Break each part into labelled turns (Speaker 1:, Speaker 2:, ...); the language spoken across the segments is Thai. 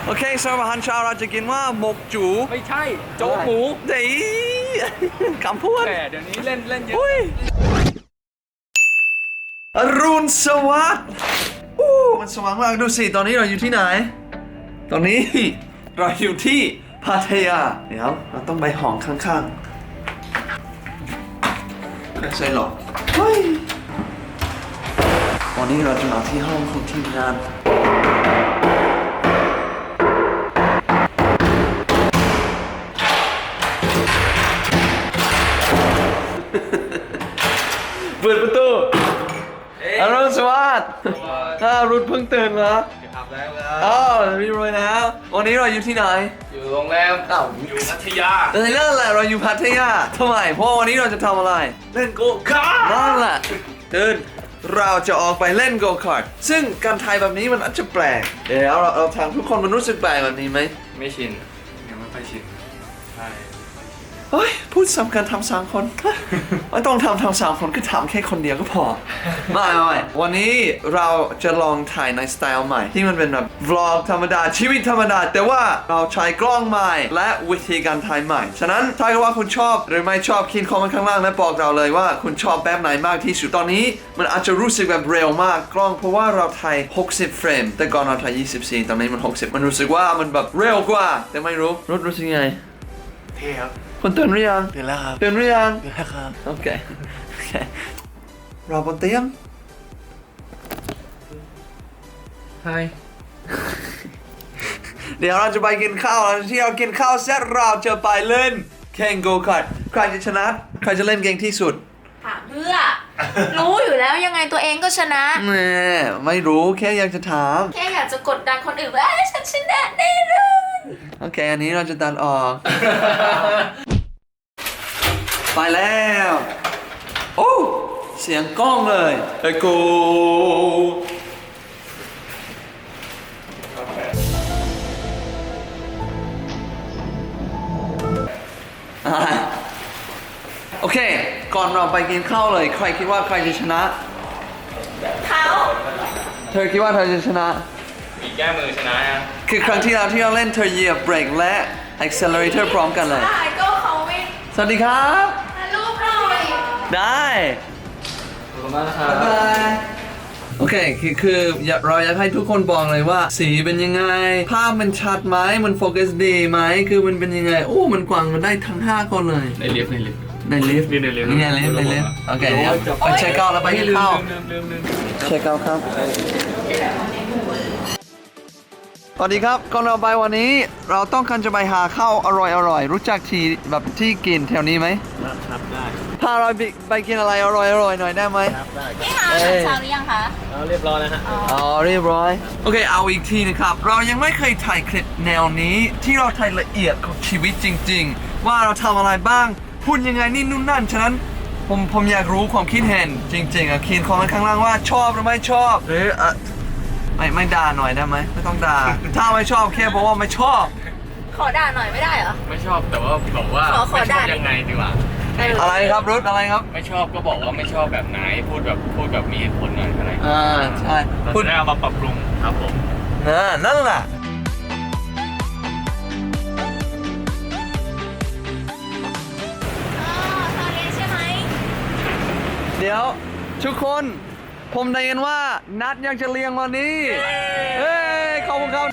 Speaker 1: โอเคสำหรับอาหารเช้าเราจะกินว่าหมกจู
Speaker 2: ไม่ใช่โจ๊กหมู
Speaker 1: เดี๋ยวคำพูด
Speaker 2: แต่เดี๋ยวนี้เล่นเยอะ
Speaker 1: อรุณสวัสดิ์มันสว่างมากดูสิตอนนี้เราอยู่ที่ไหน ตอนนี้เราอยู่ที่พัทยาเดี๋ยวเราต้องไปห้องข้างๆไม่ใช่หรอกเฮ้ยวันนี้เราจะมาที่ห้องของทีมงานเปิดประตูอรุณสวัสดิ์รุ่นเพิ่งตื่นเหรอ
Speaker 2: ทำแล้ว
Speaker 1: อ้าวมีรวยแล้ววันนี้เราอยู่ที่ไหน
Speaker 2: อยู่โรงแรมอยู่พัทยา
Speaker 1: แต่นั่นแหละเราอยู่พัทยาทำไมเพราะวันนี้เราจะทำอะไรเล่นโกคาร์ทนั่นแหละตื่นเราจะออกไปเล่นโกคาร์ทซึ่งการถ่ายแบบนี้มันอาจจะแปลกเดี๋ยวเราทางทุกคนมันรู้สึกแปลกแบบนี้ไหม
Speaker 2: ไม่ชินยังไม่ค่อยชินใช่
Speaker 1: เฮ้ยพูดซ้ำกันทำ3 คน ไม่ต้องทำ3 คนก็ทำแค่คนเดียวก็พอ ไม่วันนี้เราจะลองถ่ายในสไตล์ใหม่ที่มันเป็นแบบวล็อกธรรมดาชีวิตธรรมดาแต่ว่าเราใช้กล้องใหม่และวิธีการถ่ายใหม่ฉะนั้นถ้าเกิดว่าคุณชอบหรือไม่ชอบเขียนคอมเมนต์ข้างล่างและบอกเราเลยว่าคุณชอบแบบไหนมากที่สุดตอนนี้มันอาจจะรู้สึกแบบเร็วมากกล้องเพราะว่าเราถ่าย60 เฟรมแต่ก่อนเราถ่าย24ตอนนี้มัน60มันรู้สึกว่ามันแบบเร็วกว่าแต่ไม่รู้สึกไง
Speaker 2: เท่ครับ
Speaker 1: คุณตื่นหรือยัง
Speaker 2: ตื่นแล้วครับ
Speaker 1: ตื่นหรือยัง
Speaker 2: ตื่นแล้วครับ
Speaker 1: โอเครอบนเตียง
Speaker 2: ใช่
Speaker 1: เดี๋ยวเราจะไปกินข้าวแล้วที่เรากินข้าวเสร็จเราจะไปเล่นแข่งโกคาร์ทใครจะชนะใครจะเล่นเก่งที่สุด
Speaker 3: ถามเพื่อ รู้อยู่แล้วยังไงตัวเองก็ชนะ
Speaker 1: แม่ไม่รู้แค่อยากจะถาม
Speaker 3: แค่อยากจะกดดันคนอื่นว่าเอ้ยฉันชนะแน่เลย
Speaker 1: โอเคอันนี้เราจะตัดออก ไปแล้วโอ้เสียงกล้องเลยไอ้กูโอเค ก่อนเราไปกินข้าวเลย ใครคิดว่าใครจะชนะ
Speaker 3: เขา
Speaker 1: เธอคิดว่าเธอจะชนะ
Speaker 2: มีแก้มือชนะยัง
Speaker 1: คือครั้งที่แล้วที่เราเล่นเธอเหยียบเบรกและ accelerator พร้อมกันเลย
Speaker 3: ได้ก็เขาไม่
Speaker 1: สวัสดีครับ
Speaker 3: ถ่ายรูปหน่อย
Speaker 1: ได้
Speaker 2: ขอบคุณมากครับ
Speaker 1: บ๊ายบายโอเคคือเราอยากให้ทุกคนบอกเลยว่าสีเป็นยังไง ภาพมันชัดไหมมันโฟกัสดีไหมคือมันเป็นยังไง โอ้ มันกว้างมันได้ทั้ง5 คนเลย
Speaker 2: ในลิฟต์
Speaker 1: ในลิฟต์นี่ไงลิฟต์โอเคเดี๋ยวไปเช็คเอาท์แล้วไปกินข้าว
Speaker 2: ลืม
Speaker 1: เช็คเอาท์ครับสวัสดีครับก่อนเราไปวันนี้เราต้องการจะไปหาข้าวอร่อยรู้จักที่แบบที่กินแถวนี้ไหม
Speaker 2: ครับได้
Speaker 1: พาเราไปกินอะไรอร่อยหน่อยได้ไหม
Speaker 2: ครับได้
Speaker 3: นี่ค่ะอาหารเช้าหรือยังคะ
Speaker 2: เรียบร้อยแล้วฮะ
Speaker 1: อ๋อเรียบร้อยโอเคเอาอีกทีนะครับเรายังไม่เคยถ่ายคลิปแนวนี้ที่เราถ่ายละเอียดของชีวิตจริงๆว่าเราทำอะไรบ้างพูดยังไงนี่นู่นนั่นฉะนั้นผมอยากรู้ความคิดเห็นจริงๆเขียนคอมเมนต์ข้างล่างว่าชอบหรือไม่ชอบหรือไม่ด่าหน่อยได้ไหมไม่ต้องด่าถ้าไม่ชอบแค่บอกว่าไม่ชอบ
Speaker 3: ขอด่าหน่อยไม่ได้เหรอ
Speaker 2: ไม่ชอบแต่ว่าบอกว่า
Speaker 3: ขอ
Speaker 2: ไม่ช
Speaker 3: ได้
Speaker 2: อบยังไงดีกว่า
Speaker 1: อะไรครับรุดอะไรครับ
Speaker 2: ไม่ชอบก็บอกว่าไม่ชอบแบบไหนพูดแบบมีเหตุผลหน่อยอะไร
Speaker 1: ใช่
Speaker 2: เรา
Speaker 1: พูด
Speaker 2: จะได้เอามาปรับปรุงครับผม
Speaker 1: นั่นแหละ
Speaker 3: ตอนนี้ใช่ไหม
Speaker 1: เดี๋ยวทุกคนผมได้ยินว่านัดอยากจะเลี้ยงวันนี้เฮ้ยขอบคุณครับ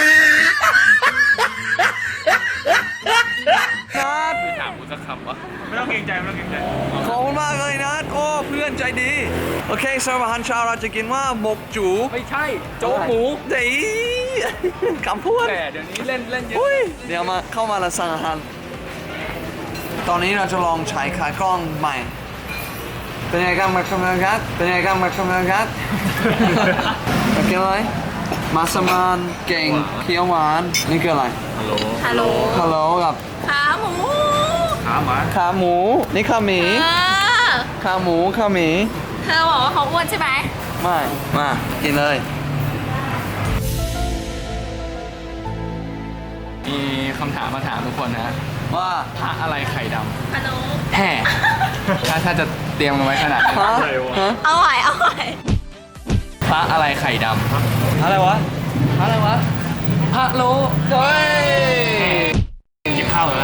Speaker 1: นัด
Speaker 2: ไม่ถามกูสักคำวะไม่ต้องเกรงใจ
Speaker 1: ขอบคุณมากเลยนัดโอ้เพื่อนใจดีโอเคสำหรับอาหารเช้าเราจะกินว่าหมกจู
Speaker 2: ไม่ใช่โจ๊กหมู
Speaker 1: เดี๋ยวคำพูด
Speaker 2: แต่เดี๋ยวนี้เล่นเยอะ
Speaker 1: อุ้ยเดี๋ยวมาเข้ามาแล้วสั่งอาหารตอนนี้เราจะลองใช้ขากล้องใหม่เป็นไงกันมาชมกันครับเป็นไงกันมาชมกันครับโอเคไหมมาสมานเก่งเคี้ยวหวานนี่คืออะไร
Speaker 2: ฮัลโหล
Speaker 3: ฮัลโหล
Speaker 1: ฮัลโหลกับ
Speaker 3: ขาหมู
Speaker 2: ขาหมา
Speaker 1: ขาหมูนี่ขาหมี
Speaker 3: เออ
Speaker 1: ขาหมูขาหมี
Speaker 3: เธอบอกว่าเขาอ้วนใช่ไหม
Speaker 1: ไม่มากินเลย
Speaker 2: มีคำถามมาถามทุกคนนะ
Speaker 1: ว่า
Speaker 2: พระอะไรไข่ด
Speaker 3: ฮัลโหล
Speaker 2: ำแห่ถ้าจะเตรียมมาไว้ขนาดนี้
Speaker 1: ฮะฮะ
Speaker 3: เอาไหวเอาไหว
Speaker 2: พระอะไรไข่ดำ
Speaker 1: อะไรวะอะไรวะ
Speaker 2: พ
Speaker 1: ฮัลโหลเฮ้ย
Speaker 2: กินข้าวแล้ว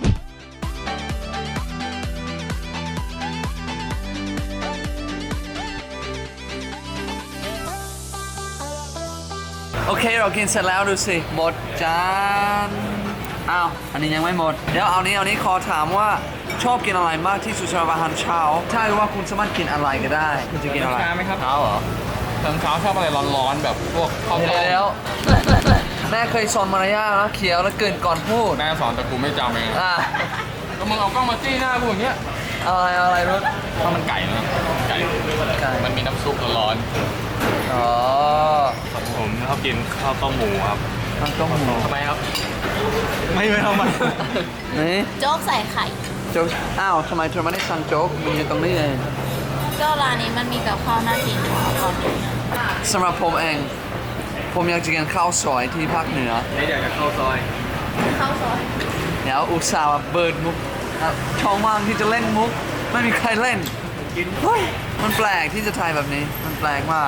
Speaker 1: โอเคเรากินเสร็จแล้วดูสิหมดจานอ้าวอันนี้ยังไม่หมดเดี๋ยวเอานี้ขอถามว่าชอบกินอะไรมากที่สุดสำหรับอาหารเช้าถ้าว่าคุณสามารถกินอะไรก็ได้คุณจะกินอะไร
Speaker 2: เช้าไหมครับ
Speaker 1: เช้าเหรอ
Speaker 2: ตอนเช้าชอบอะไรร้อนๆแบบพวกข้าวต้ม
Speaker 1: แล้วแม่เคยสอนมารยาทนะเขียวแล้วเกินก่อนพูด
Speaker 2: แม่สอนแต่กูไม่จำเอง
Speaker 1: อ่ะ
Speaker 2: ก็มึงเอากล้องมาจี้หน้ากูอย่างเงี้ย
Speaker 1: อะไรรถ
Speaker 2: ข้าวมันไก่นะไก่ มันมีน้ำซุปร้อน
Speaker 1: อ๋อ
Speaker 2: ๆผมชอบกินข้าวต้มหมูครับ
Speaker 1: มันต้องหมู
Speaker 2: ทำไมครับ ไม่ทำไม
Speaker 1: นี่
Speaker 3: โจ๊กใส่ไข่
Speaker 1: โจ๊กอ้าวทำไมเธอไม่ได้สั่งโจ๊กมันอยู่ตรงนี้เอง
Speaker 3: ก็ร้านนี้มันมีกับข้าวน่ากินก่อน
Speaker 1: สำหรับผมเองผมอยากจะกินข้าวซอยที่ภาคเหนือ
Speaker 2: นี่เดี๋ยวจะเข้าซอย
Speaker 3: ข้าวซอย
Speaker 1: เดี๋ยวอุตส่าห์มาเบิร์ดมุกช่องว่างที่จะเล่นมุกไม่มีใครเล่นเฮ้ยมันแปลกที่จะถ่ายแบบนี้มันแปลกมาก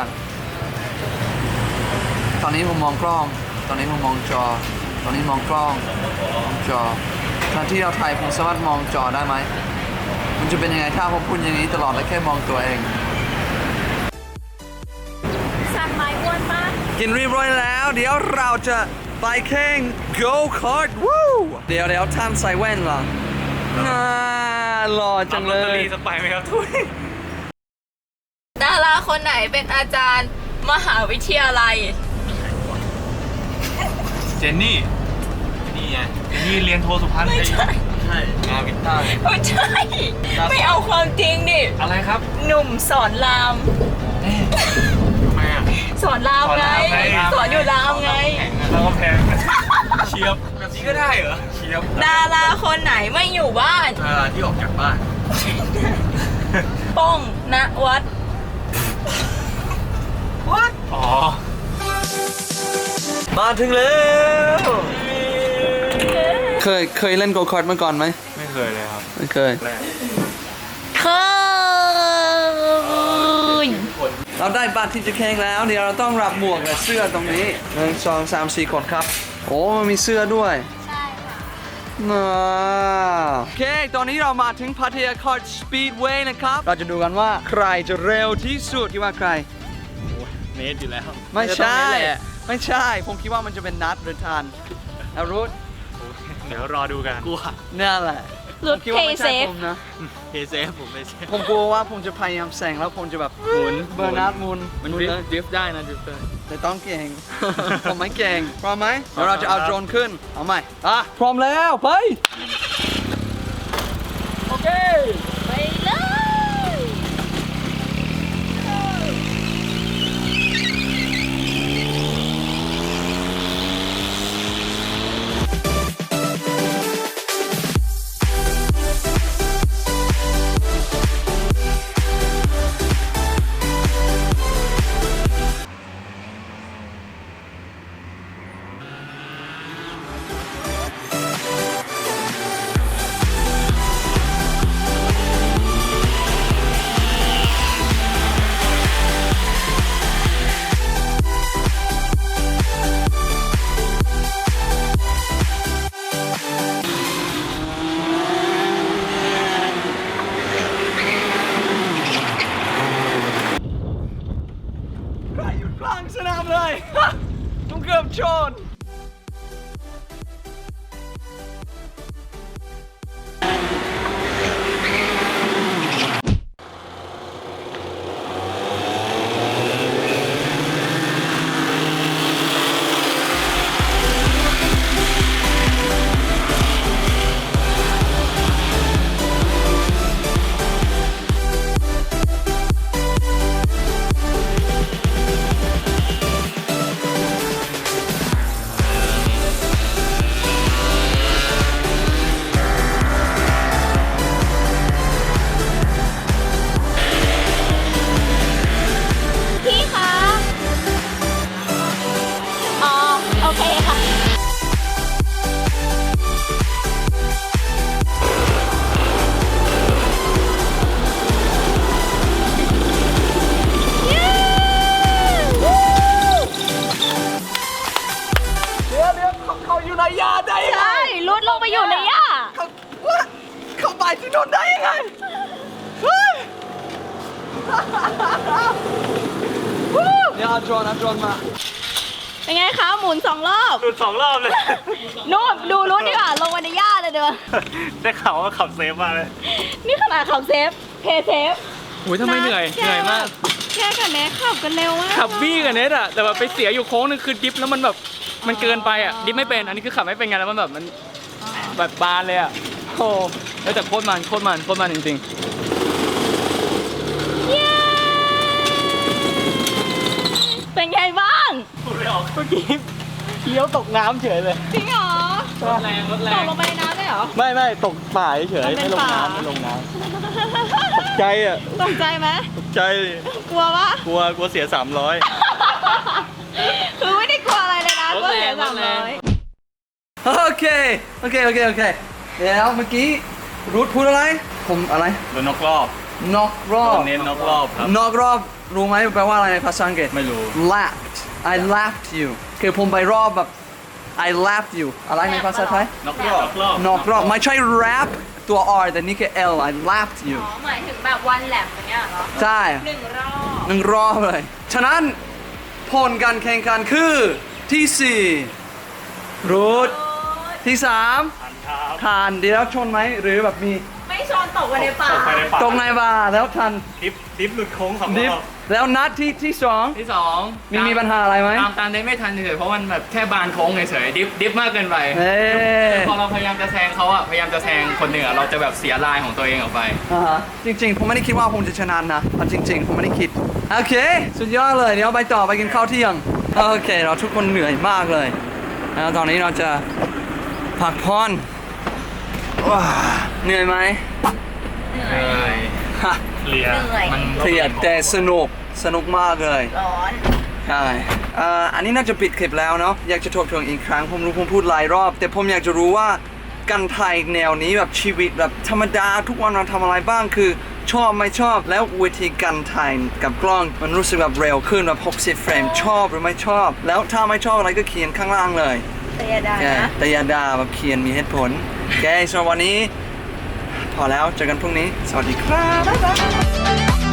Speaker 1: ตอนนี้ผมมองกล้อง ตอนนี้ผมมองจอ ตอนนี้มองกล้องมองจอตอนที่เราถ่ายผมสามารถมองจอได้ไหมมันจะเป็นยังไงถ้าผมพูดอย่างนี้ตลอดและแค่มองตัวเอง
Speaker 3: สั่งไม้อ้วนมาก
Speaker 1: กินเรียบร้อยแล้ว เดี๋ยวเราจะไปแข่ง go kart วู้เดี๋ยวท่านใส่แว่นเหรอน่าหล่อจังเลย
Speaker 2: สักใบไหมครับทุย
Speaker 3: ดาราคนไหนเป็นอาจารย์มหาวิทยาลัย
Speaker 2: เจนนี่ นี่ไง เจนนี่เรียนโทสุพรรณ
Speaker 3: ไม่ใช่
Speaker 2: ใช่งานวิทย์ใต้
Speaker 3: ไม่ใช่ ไม่เอาความจริงดิ
Speaker 2: อะไรครับ
Speaker 3: หนุ่มสอนราม
Speaker 2: ทำไมอ่ะ
Speaker 3: สอนรามไง สอนอยู่รามไง
Speaker 2: แล้วก็แพงเชียบแบบนี้ก็ได้เหรอเชียบ
Speaker 3: ดาราคนไหนไม่อยู่บ้าน
Speaker 2: ที่ออกจากบ้าน
Speaker 3: ป้องณวัด
Speaker 2: What อ๋อ
Speaker 1: มาถึงแล้ว เคยเล่นโกคาร์ทมาก่อนไหม
Speaker 2: ไม่เคยเลยครับ
Speaker 1: ไม่เคย
Speaker 2: แรก
Speaker 3: เคย
Speaker 1: เราได้บัตรที่จะแข่งแล้ว เดี๋ยวเราต้องรับหมวกและเสื้อตรงนี้1 2 3 4 คนครับ โอ้มันมีเสื้อด้วย
Speaker 3: ใช่ค่ะ
Speaker 1: โอเค ตอนนี้เรามาถึงพัทยาคาร์ทสปีดเวย์นะครับ เราจะดูกันว่าใครจะเร็วที่สุดคิดว่าใคร
Speaker 2: เนทอยู่แล้ว
Speaker 1: ไม่ใช่ ไม่ใช่ ผมคิดว่ามันจะเป็นนัดหรือทันเอารุด
Speaker 2: เดี๋ยวรอดูกันกลัว
Speaker 1: นั่นแหละ
Speaker 3: รุด
Speaker 1: ผมคิดว่าไม่ใช่
Speaker 3: Paysafe
Speaker 1: ผมนะ
Speaker 2: เฮเซฟผมไม่ใช่
Speaker 1: ผมกลัวว่าผมจะพยายามแซงแล้วผมจะแบบ
Speaker 2: หมุน
Speaker 1: เบอร์นัดหมุน
Speaker 2: มัน
Speaker 1: หมุน
Speaker 2: ดริฟ
Speaker 1: เลย
Speaker 2: ต์ดริฟต์ได้นะดริฟต์ได้
Speaker 1: แต่ต้องเก่ง ผมไม่เก่งพร้อมไหมเดี๋ยวเราจะเอาโดรนขึ้น เอาใหม่พร้อมแล้วไป
Speaker 2: โอเค
Speaker 3: ไปเลย
Speaker 1: เขาอยู่ในยาได้ยังไง
Speaker 3: ใช่รุดลงไปอยู่ในหญ้า
Speaker 1: เขา what? เขาไปที่โดนได้ยังไงเฮ้ยเนี่ยเอาโดรนมา
Speaker 3: เป็นไงคะหมุน2 รอบ
Speaker 2: หลุด2 รอบเลย
Speaker 3: นู่นดูรุดดีกว่าลงไปในหญ้าเลยเด้อ
Speaker 2: ได้ข่าวว่าขับเซฟมาเลย
Speaker 3: นี่ขนาดขับเซฟเพย์เซฟ
Speaker 2: โอ้ยทำไมเหนื่อยมาก
Speaker 3: แค่กับแม่ขับกันเร็วมาก
Speaker 2: ขับบี้กับเนทอะแต่แบบไปเสียอยู่โค้งนึงคือดิฟแล้วมันแบบมันเกินไปอะดิฟไม่เป็นอันนี้คือขับไม่เป็นไงแล้วมันแบบมันแบบบานเลยอะโอ้แล้วแต่โคตรมันจริง
Speaker 3: เย้เป็นไงบ้าง
Speaker 2: ๆพูดไม่ออกเมื่อกี้เลี้ยวตกน้ำเฉยเลย
Speaker 3: จริงเหรอ
Speaker 2: รถแรง
Speaker 3: ตกลงไปในน้ำได้เหรอ
Speaker 2: ไม่ตกป่าเฉย
Speaker 3: มันเป็นป่า
Speaker 2: ไม่ลงน้ำใจอะ
Speaker 3: ตกใจไหม
Speaker 2: ใจ
Speaker 3: กลัวปะ
Speaker 2: กลัวเสีย300
Speaker 3: คือไม่ได้กลัวอะไรเลยนะ
Speaker 2: รถ
Speaker 3: ก็
Speaker 2: แรง
Speaker 3: เสีย
Speaker 2: รถแรง
Speaker 3: 300
Speaker 1: โอเคแล้วเมื่อกี้รูทพูดอะไรผมอะไร
Speaker 2: โดนนกรอบ
Speaker 1: นอกรอบ
Speaker 2: เน้นนกรอบครับ
Speaker 1: นอกรอบรู้ไหมแปลว่าอะไรในภาษาอังกฤษ
Speaker 2: ไม่รู้
Speaker 1: lapped I lapped you คือผมไปรอบแบบ I lapped you อะไรในภาษาไทย
Speaker 2: นกรอบ
Speaker 1: นอกรอบไม่ใช่ rap ตัว R แต่นี่คือ L I lapped you
Speaker 3: อ๋อหมายถึงแบบวันแลบอย่างเงี้ยเหรอ
Speaker 1: ใช่
Speaker 3: 1 รอบ
Speaker 1: หนึ่งรอบเลย ฉะนั้นผลการแข่งขันคือที่ 4 รูทที่ 3 ทานเดี๋ยวชนไหมหรือแบบมี
Speaker 3: ไม่ชนตกไปในป่า
Speaker 1: ตรงในบาร์แล้วทัน
Speaker 2: ดิฟหลุดโค้ง2
Speaker 1: ดิฟ
Speaker 2: รอบ
Speaker 1: แล้วนัดที่สอง
Speaker 2: ที่2
Speaker 1: มีปัญหาอะไรไหม
Speaker 2: ตามเน้นไม่ทันเฉยๆเพราะมันแบบแค่บานโค้งเฉยๆดิฟมากเกินไป
Speaker 1: เอ้ย
Speaker 2: พอเราพยายามจะแซงเขาอะพยายามจะแซงคนหนึ่งอะเราจะแบบเสียลายของตัวเองออกไป
Speaker 1: อ่าฮะจริงๆ ผมไม่ได้คิดว่าผมจะชนะนะเอาจริง ๆ ผมไม่ได้คิด โอเค สุดยอดเลย เดี๋ยวไปต่อไปกินข้าวเที่ยง โอเค เราทุกคนเหนื่อยมากเลย แล้วตอนนี้เราจะพักผ่อนว้าเหนื่อยไหม ฮะ
Speaker 2: เคลียร์มัน
Speaker 1: เครียดแต่สนุกมากเลย
Speaker 3: ร้อน
Speaker 1: ใช่อันนี้น่าจะปิดคลิปแล้วเนาะ อยากจะทบทวนอีกครั้ง ผมรู้ผมพูดหลายรอบ แต่ผมอยากจะรู้ว่าการถ่ายแนวนี้แบบชีวิตแบบธรรมดาทุกวันเราทำอะไรบ้างคือชอบไม่ชอบ แล้ววิธีการถ่ายกับกล้องมันรู้สึกแบบเร็วขึ้นแบบ60 เฟรมชอบหรือไม่ชอบ แล้วถ้าไม่ชอบอะไรก็เขียนข้างล่างเลย
Speaker 3: แต่อย่าด่านะ
Speaker 1: แต่อย่าด่าแบบเขียนมีเหตุผลโอเคสำหรับวันนี้ พอแล้วเจอกันพรุ่งนี้ สวัสดีครับบ๊ายบาย